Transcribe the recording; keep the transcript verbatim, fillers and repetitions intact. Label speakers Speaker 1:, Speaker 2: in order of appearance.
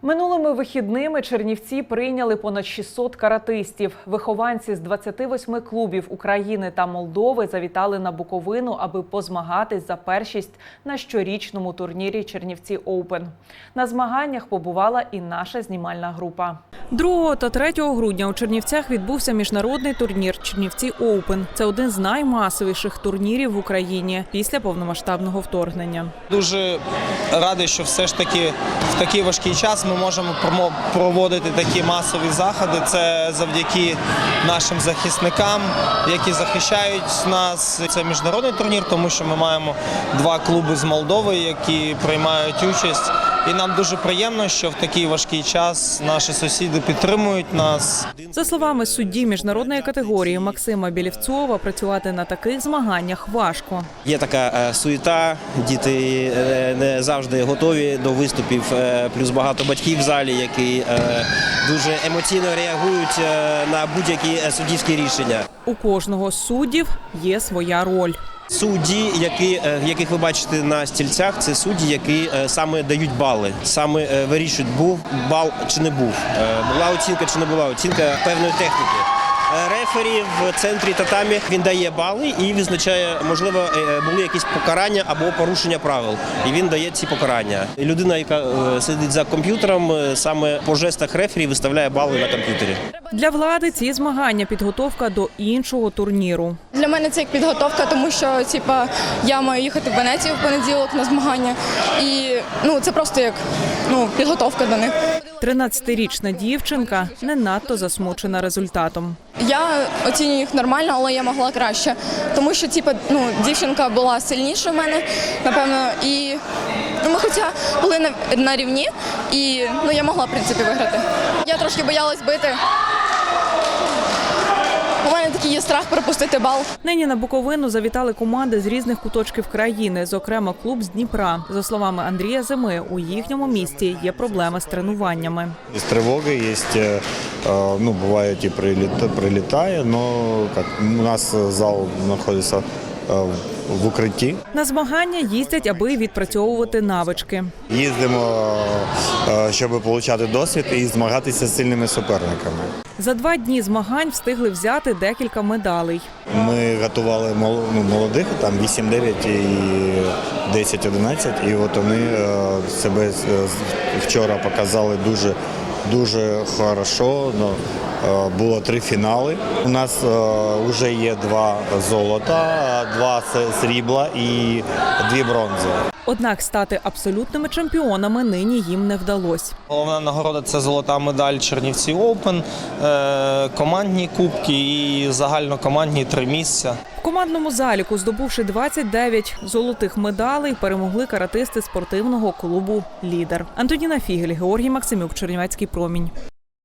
Speaker 1: Минулими вихідними Чернівці прийняли понад шістсот каратистів. Вихованці з двадцяти восьми клубів України та Молдови завітали на Буковину, аби позмагатись за першість на щорічному турнірі «Чернівці Оупен». На змаганнях побувала і наша знімальна група. другого та третього грудня у Чернівцях відбувся міжнародний турнір «Чернівці Оупен». Це один з наймасовіших турнірів в Україні після повномасштабного вторгнення.
Speaker 2: Дуже радий, що все ж таки в такий важкий час ми можемо проводити такі масові заходи. Це завдяки нашим захисникам, які захищають нас. Це міжнародний турнір, тому що ми маємо два клуби з Молдови, які приймають участь. І нам дуже приємно, що в такий важкий час наші сусіди підтримують нас.
Speaker 1: За словами судді міжнародної категорії Максима Білівцова, працювати на таких змаганнях важко.
Speaker 3: Є така суєта, діти не завжди готові до виступів, плюс багато батьків в залі, які дуже емоційно реагують на будь-які суддівські рішення.
Speaker 1: У кожного з суддів є своя роль.
Speaker 3: Судді, які, яких ви бачите на стільцях, це судді, які саме дають бали, саме вирішують, був бал чи не був, була оцінка чи не була оцінка певної техніки. Рефері в центрі татамі, він дає бали і визначає, можливо, були якісь покарання або порушення правил. І він дає ці покарання. Людина, яка сидить за комп'ютером, саме по жестах рефері виставляє бали на комп'ютері.
Speaker 1: Для влади ці змагання – підготовка до іншого турніру.
Speaker 4: Для мене це як підготовка, тому що типа, я маю їхати в Венецію в понеділок на змагання. І ну, це просто як ну, підготовка до них.
Speaker 1: тринадцятирічна дівчинка не надто засмучена результатом.
Speaker 4: Я оцінюю їх нормально, але я могла краще. Тому що типу, ну, дівчинка була сильніша в мене, напевно, і ну, ми хоча були на, на рівні, і ну, я могла, в принципі, виграти. Я трошки боялась бити. У мене такий є страх пропустити бал.
Speaker 1: Нині на Буковину завітали команди з різних куточків країни, зокрема клуб з Дніпра. За словами Андрія Зими, у їхньому місті є проблеми з тренуваннями.
Speaker 5: Є тривоги, є, ну, буває, і прилітає, але у нас зал знаходиться в укритті.
Speaker 1: На змагання їздять, аби відпрацьовувати навички.
Speaker 5: Їздимо, щоб отримати досвід і змагатися з сильними суперниками.
Speaker 1: За два дні змагань встигли взяти декілька медалей.
Speaker 5: Ми готували молодих, там вісім-дев'ять і десять-одинадцять, і от вони себе вчора показали дуже, дуже хорошо. Було три фінали. У нас вже є два золота, два срібла і дві бронзи.
Speaker 1: Однак стати абсолютними чемпіонами нині їм не вдалося.
Speaker 2: Головна нагорода – це золота медаль «Чернівці Оупен», командні кубки і загальнокомандні три місця.
Speaker 1: В командному заліку, здобувши двадцять дев'ять золотих медалей, перемогли каратисти спортивного клубу «Лідер». Антоніна Фігель, Георгій Максимюк, Чернівецький промінь.